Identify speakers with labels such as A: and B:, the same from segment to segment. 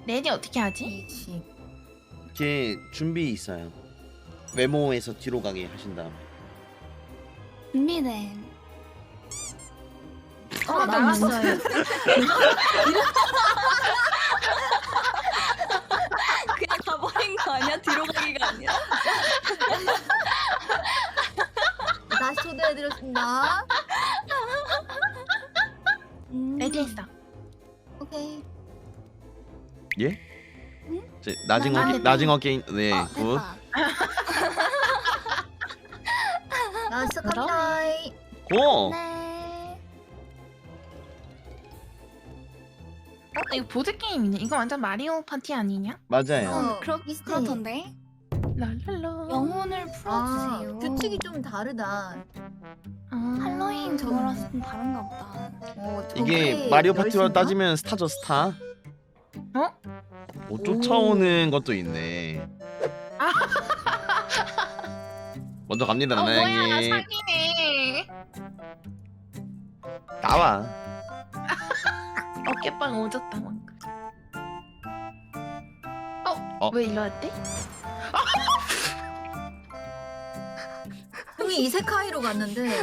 A: 레디 어떻게 하지?
B: 이치.
C: 제 준비 있어요. 외모에서 뒤로 가게 하신 다음에.
D: 준비된.
A: 나왔어요.
D: 그냥 가버린 거 아니야? 뒤로 가기가 아니라.
B: 다시 초대해드렸습니다.
A: 레디 했어.
B: 오케이.
C: 예?
D: 응?
C: 나징어 게임. 네. 굿.
D: 됐다.
B: 야, 시작합니다.
C: 고.
D: 네.
A: 이거 보드 게임이네. 이거 완전 마리오 파티 아니냐?
C: 맞아요.
B: 비슷해.
D: 그렇던데.
A: 랄랄라.
D: 영혼을
B: 아,
D: 풀어주세요.
B: 규칙이 좀 다르다.
D: 할로윈 저거라서 좀 다른가 보다.
C: 이게
B: 저게
C: 마리오 파티로
B: 열쇠인가?
C: 따지면 스타죠, 스타.
A: 어?
C: 뭐 쫓아오는 것도 있네. 먼저 갑니다,
A: 뭐야, 나
C: 나나양님.
A: 사기네.
C: 나와.
A: 어깨빵 오졌다 방금.
C: 어?
A: 왜 일로 왔대?
B: 형이 이세카이로 갔는데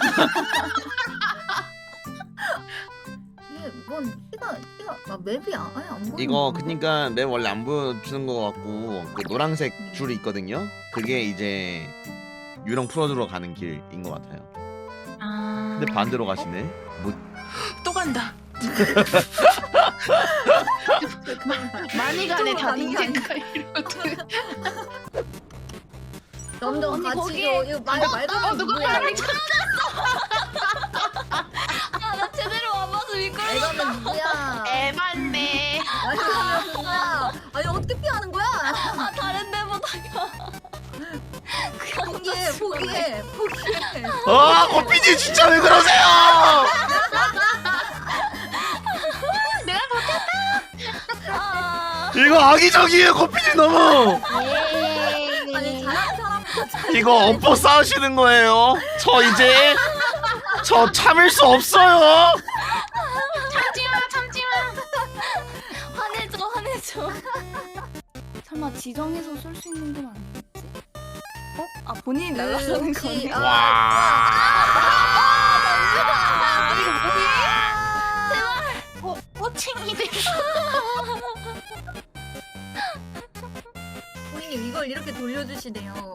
B: 이게 뭔 키가 맵이 아예 안 보이는
C: 이거
B: 건가?
C: 그니까 맵 원래 안 보여주는 것 같고 그 노란색 줄이 있거든요. 그게 이제 유령 풀어주러 가는 길인 것 같아요.
A: 아.
C: 근데 반대로 가시네. 뭐
A: 또 간다. 많이 가네
B: 이쪽으로
A: 다
B: 가는 게
A: 인제카 이러거든.
B: 점점
D: 언니,
B: 같이
D: 거기-
B: 이거 말도
A: 누가 말을
D: 나 제대로 와봐서 미끄러워.
B: 이거는 누구야?
A: 에반데.
B: 아니 누구야? 아니 어떻게 피하는 거야?
D: 아, 다른 데보다가.
B: 포기해.
C: 아, 고피지 진짜 왜 그러세요?
A: 내가 못했다.
D: 아,
C: 이거 악의적이에요, 고피지 너무.
B: 아니 잘하는 사람부터
C: 이거 엎어 싸우시는 거예요. 저 참을 수 없어요.
A: 참지마.
D: 화내줘. 설마 지정해서 쏠 수 있는 건 아니겠지? 어? 아, 본인이 날아가는 거네.
B: 아.
C: 와.
D: 이거 뭐지?
A: 호칭이네.
B: 본인이 이걸 이렇게 돌려주시네요.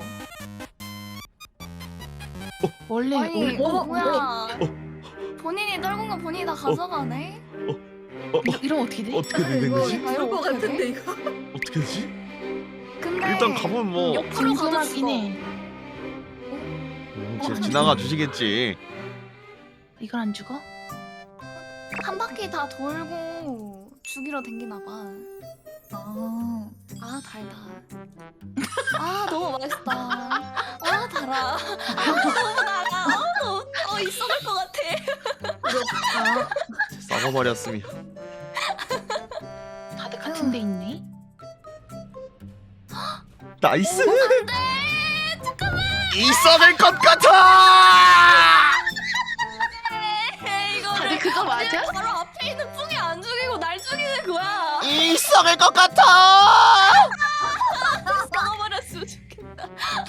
A: 원래
D: 아니,
B: 어?
D: 뭐야? 본인이 떨군 거 본인이 다 가져가네?
A: 이러면 어떻게 돼?
C: 어떻게 된
B: 이거
C: 거지?
B: 죽을 것 같은데 이거.
C: 어떻게 되지?
D: 근데
C: 일단 가면 뭐
D: 옆으로 가도
A: 궁금하긴
D: 죽어.
A: 해.
C: 진짜 지나가 주시겠지.
A: 이걸 안 죽어?
D: 한 바퀴 다 돌고 죽이러 댕기나 봐.
B: 아,
D: 아, 달다. 아, 너무 맛있다. 아, 달아. 아, 너무 달아. 있어질 것 같아.
B: 그렇다.
C: 썩어버렸으면.
A: 다들 같은 데 있네.
C: 나이스. 있어낼 것 같아.
D: 이거
A: 다들 그거 맞아?
D: 바로 앞에 있는 뿡이 안 죽이고 날 죽이는 거야.
C: 있어낼 것 같아.
D: 썩어버렸으면 좋겠다.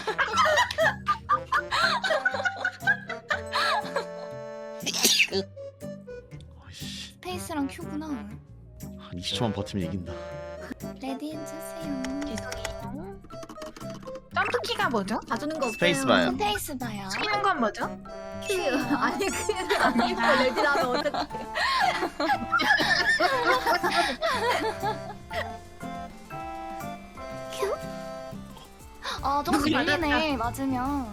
D: 스페이스랑 큐구나.
C: 한 20초만 버티면 이긴다.
D: 레디 해주세요.
A: 죄송해요. 점프키가 뭐죠?
B: 봐주는 거 없어요.
C: 스페이스바요.
D: 스페이스 봐요.
A: 치는 건 뭐죠?
B: 큐. 아니 그게 아니고 레디라면 어떡해.
D: 아, 조금
A: 누구
D: 밀리네. 맞으면.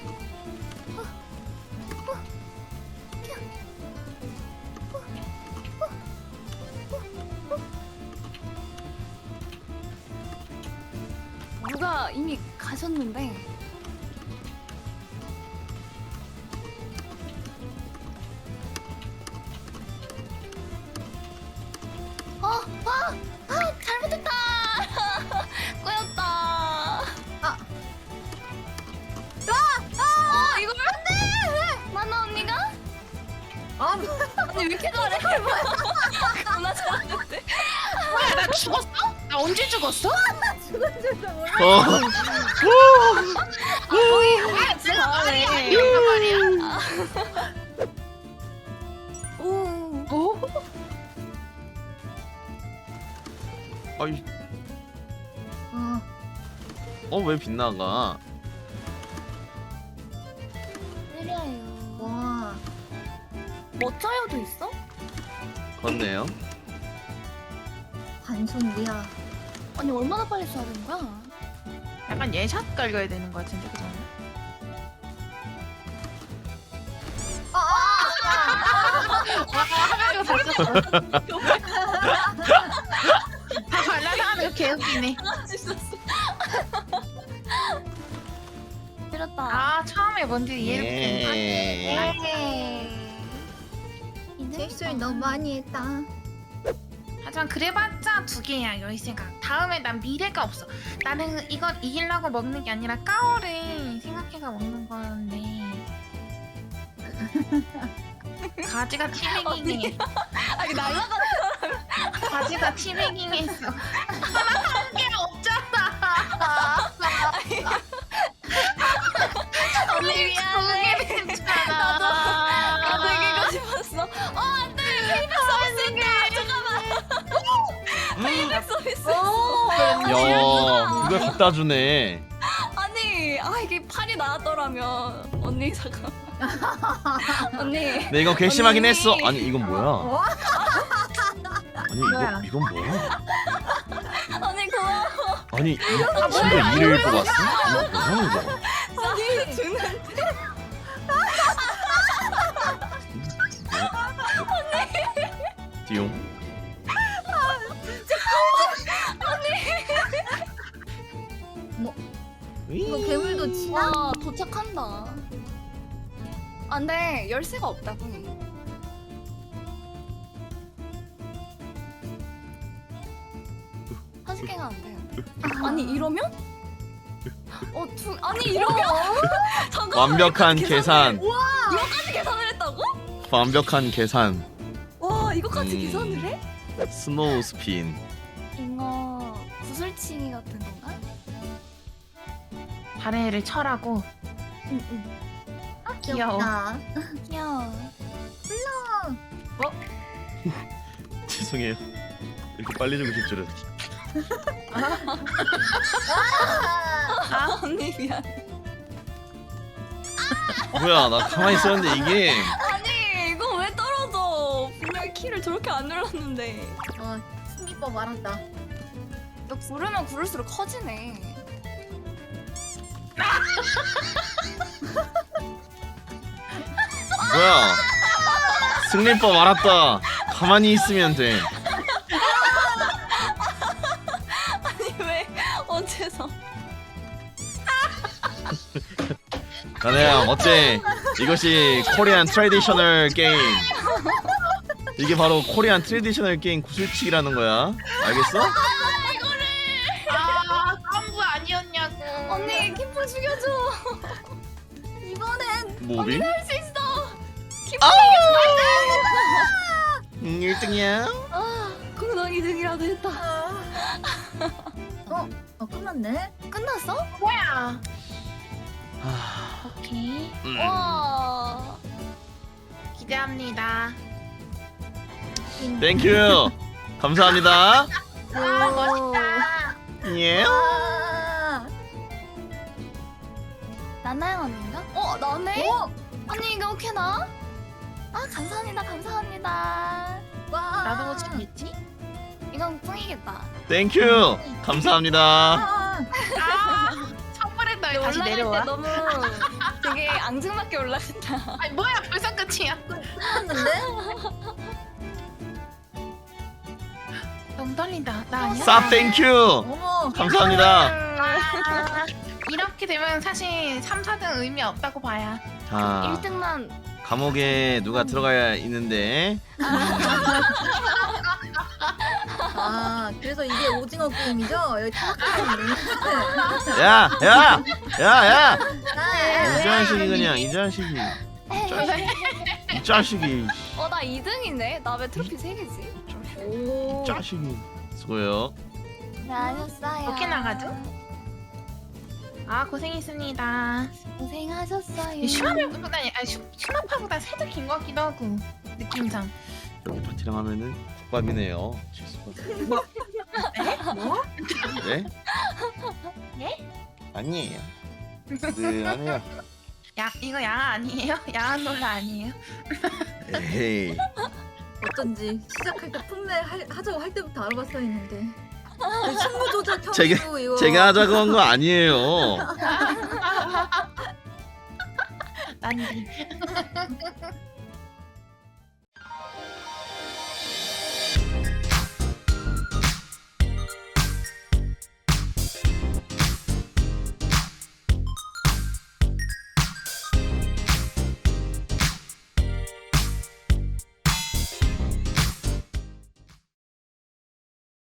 D: 누가 이미 가셨는데. 잘못했다. 꼬였다. 이걸 안 돼. 만나 언니가?
B: 아,
D: 언니 왜 이렇게 잘해? 겁나 잘하는데.
A: 뭐야 나 죽었어? 나 언제 죽었어?
B: 죽은 줄도 몰라.
A: 아,
D: 진짜 잘하네.
A: 이런 말이야.
D: 오.
A: 오?
C: 아이,
B: 어,
C: 왜 빗나가?
D: 느려요.
B: 와.
D: 멋져요도 있어?
C: 그렇네요.
B: 반송이야.
D: 아니 얼마나 빨리 쏴야 되는 거야?
A: 약간 예샷 깔려야 되는 거 같은데 그 정도? 화면으로 다 썼어. 다 발라하는 거 개웃기네.
D: 있었어. 때렸다.
A: 아 처음에 뭔지 이해를 못했네.
C: 예.
B: 실수를 너무 많이 했다.
A: 하지만 그래봤자 두 개야 여의 생각. 다음에 난 미래가 없어. 나는 이걸 이기려고 먹는 게 아니라 까오를 생각해서 먹는 건데. 가지가 티베깅해.
D: 아니 날라가.
A: 가지가 티베깅했어. 한 개 없잖아.
D: 언니 미안해.
A: 두 개 됐잖아.
D: 나도 이기고 싶었어. 안돼. 페이백 서비스인데. 잠깐만. 페이백 서비스.
C: 야, 이걸 갖다 주네.
D: 아니 이게 팔이 나왔더라면 언니 잠깐. 언니.
C: 네, 이건 괘씸하긴
D: 언니.
C: 했어. 아니, 이건 뭐야?
B: 어?
C: 아니,
A: 뭐야?
C: 이건 뭐야?
D: 언니 고마워.
C: 아니, 이 친구가 이를 뽑았어? 이거 뭐야, 이거?
D: 언니 주는.
C: 디용.
B: 이거 괴물도 치나?
D: 와 도착한다. 안돼 열쇠가 없다고. 한 개가 안 돼. 아니 이러면? 아니 이러면? 잠깐만.
C: 완벽한 계산.
D: 이거까지 계산을 했다고?
C: 완벽한 계산.
D: 와 이거까지
C: 음.
D: 계산을 해?
C: 스노우 스핀.
D: 이거 구슬치기 같은 건가?
A: 다른 애를 철하고.
D: 응응.
A: 귀여워.
B: 귀엽다.
D: 귀여워.
C: 죄송해요. 이렇게 빨리 주고 싶 줄은.
D: 아 언니 미안.
C: 뭐야, 나 가만히 있었는데 이게.
D: 아니 이거 왜 떨어져? 분명 키를 저렇게 안 눌렀는데.
B: 승리법 알았다.
D: 너 구르면 구를수록 커지네.
C: 뭐야. 승리법 알았다. 가만히 있으면 돼.
D: 아니 왜 어째서?
C: 나네야, 어째 이것이 코리안 트래디셔널 게임. 이게 바로 코리안 트래디셔널 게임 구슬치기라는 거야. 알겠어?
A: 아 깜부 아니었냐고.
D: 언니 키프 죽여줘.
B: 이번엔
C: 뭐비?
D: 할 수 있어.
C: 아! 1등이야.
D: 공동 2등이라도 했다.
B: 끝났네.
D: 끝났어?
A: 뭐야? 오케이.
D: 와.
A: 기대합니다.
C: 땡큐. 감사합니다.
A: 아 멋있다.
C: 예.
D: 나나양 언니인가? 나네? 언니 이거 오케나? 감사합니다. 감사합니다.
B: 와.
A: 나도 뭐 챙겼지?
D: 이건 뿡이겠다.
C: 땡큐. 감사합니다.
A: 아 선물했다 왜 다시
D: 올라갈 때
A: 내려와?
D: 너무 되게 앙증맞게 올라간다.
A: 아니 뭐야 벌써 끝이야?
B: 끝났는데?
A: 너무 떨린다. 나 아니야?
C: 쌉 땡큐.
B: 어머.
C: 감사합니다.
A: 아, 이렇게 되면 사실 3, 4등 의미 없다고 봐야.
C: 자,
D: 1등만
C: 감옥에 누가 들어가야 있는데.
B: 그래서 이게 오징어 게임이죠? 여기 타락하는
C: 야, 야, 야, 야.
B: 네.
C: 이 자식이 그냥 이 자식이. 이 자식이.
D: 나 2등이네. 나 왜 트로피 3개지?
B: 오.
C: 이 자식이. 수고요.
D: 네, 하셨어요.
A: 어떻게 나가죠? 아 고생했습니다.
D: 고생하셨어요.
A: 슈마파보다 슈마파보다 살짝 긴 것 같기도 하고 느낌상.
C: 이렇게 파티랑 하면은 국밥이네요.
A: 뭐?
C: 네?
A: 예?
C: 아니에요. 네, 아니에요.
A: 야 이거 야한 아니에요? 야한 놀라 아니에요?
C: 에이.
B: 어쩐지 시작할 때 풋내 하자고 할 때부터 알아봤어야 했는데 승부 조작
C: 제가-
B: 혐의로 이거
C: 제가 하자고 한 거 아니에요.
A: 난